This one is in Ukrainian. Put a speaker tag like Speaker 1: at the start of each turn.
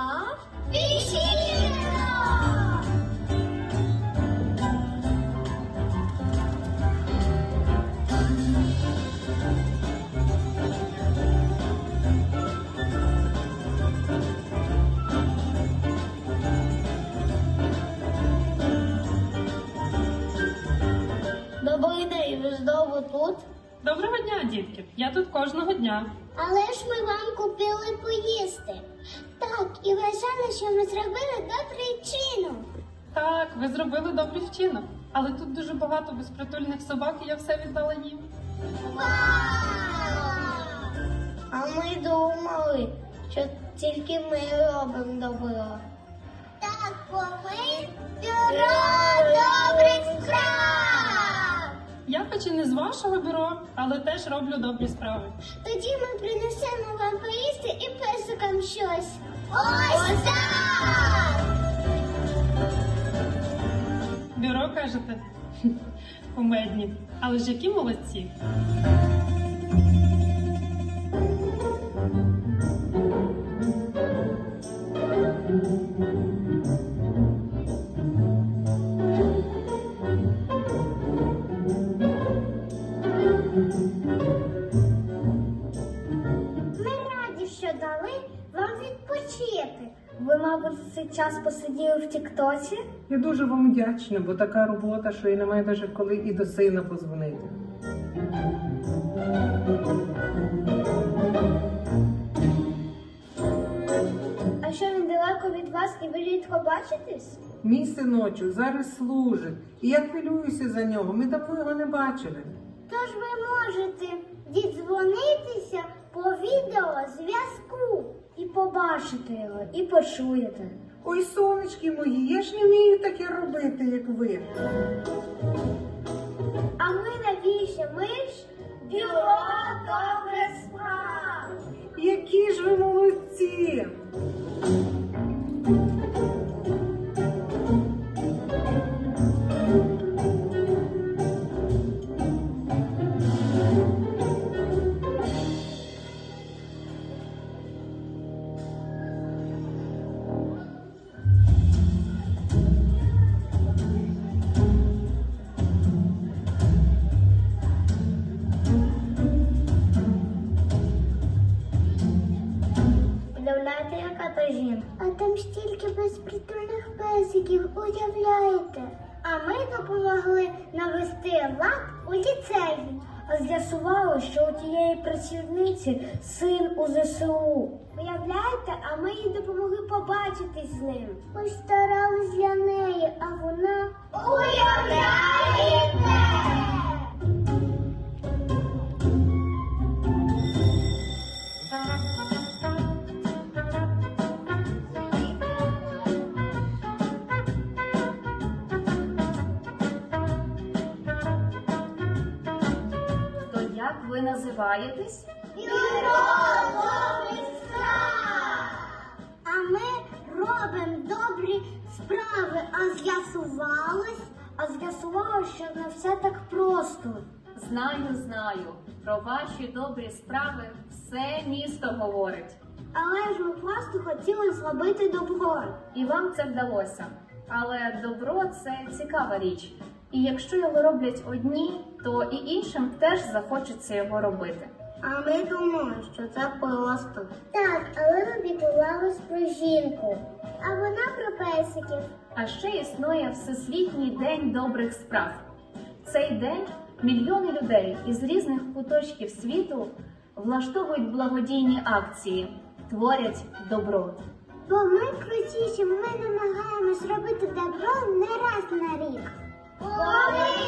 Speaker 1: Вічіно! Добрий день, ви знову тут?
Speaker 2: Доброго дня, дітки! Я тут кожного дня.
Speaker 1: Але ж ми вам купили поїсти. Так, і вважали, що ми зробили добрий вчинок.
Speaker 2: Так, ви зробили добрий вчинок. Але тут дуже багато безпритульних собак, і я все віддала їм.
Speaker 1: А ми думали, що тільки ми робимо добро. Так, бо ми бюро добрих справ!
Speaker 2: Я хоч і не з вашого бюро, але теж роблю добрі справи.
Speaker 1: Тоді ми принесемо вам поїсти і песикам щось. Ось так!
Speaker 2: Бюро, кажете? Кумедні. Але ж які молодці.
Speaker 1: Ми раді, що дали вам відпочити. Ви, мабуть, цей час посиділи в Тіктоці?
Speaker 3: Я дуже вам вдячна, бо така робота, що і немає навіть коли і до сина позвонити.
Speaker 1: А що, він далеко від вас і ви рідко бачитесь?
Speaker 3: Мій синочок зараз служить, і я хвилююся за нього. Ми давно його не бачили.
Speaker 1: Тож ви можете дідзвонитися по відеозв'язку і побачити його, і почуєте.
Speaker 3: Ой, сонечки мої, я ж не вмію таке робити, як ви.
Speaker 1: А ми навіщо? Ми ж бюро добрих справ.
Speaker 3: Які ж ви молодці!
Speaker 1: Уявляєте, яка то жінка? А там стільки безпритульних песиків, уявляєте? А ми допомогли навести лад у ліцеї. А з'ясувало, що у тієї працівниці син у ЗСУ. Уявляєте, а ми їй допомогли побачитись з ним. Ми старались для неї, а вона... Уявляєте!
Speaker 4: То як ви називаєтесь?
Speaker 1: Бюро добрих справ! А ми робимо добрі справи, а з'ясувалось, що не все так просто.
Speaker 4: Знаю. Про ваші добрі справи все місто говорить.
Speaker 1: Але ж ми просто хотіли зробити добро.
Speaker 4: І вам це вдалося. Але добро – це цікава річ. І якщо його роблять одні, то і іншим теж захочеться його робити.
Speaker 1: А ми думали, що це просто. Так, але ми піклувались про жінку. А вона про песиків.
Speaker 4: А ще існує Всесвітній день добрих справ. В цей день мільйони людей із різних куточків світу влаштовують благодійні акції, творять добро.
Speaker 1: Бо ми крутіші, ми намагаємось робити добро не раз на рік. Бо ми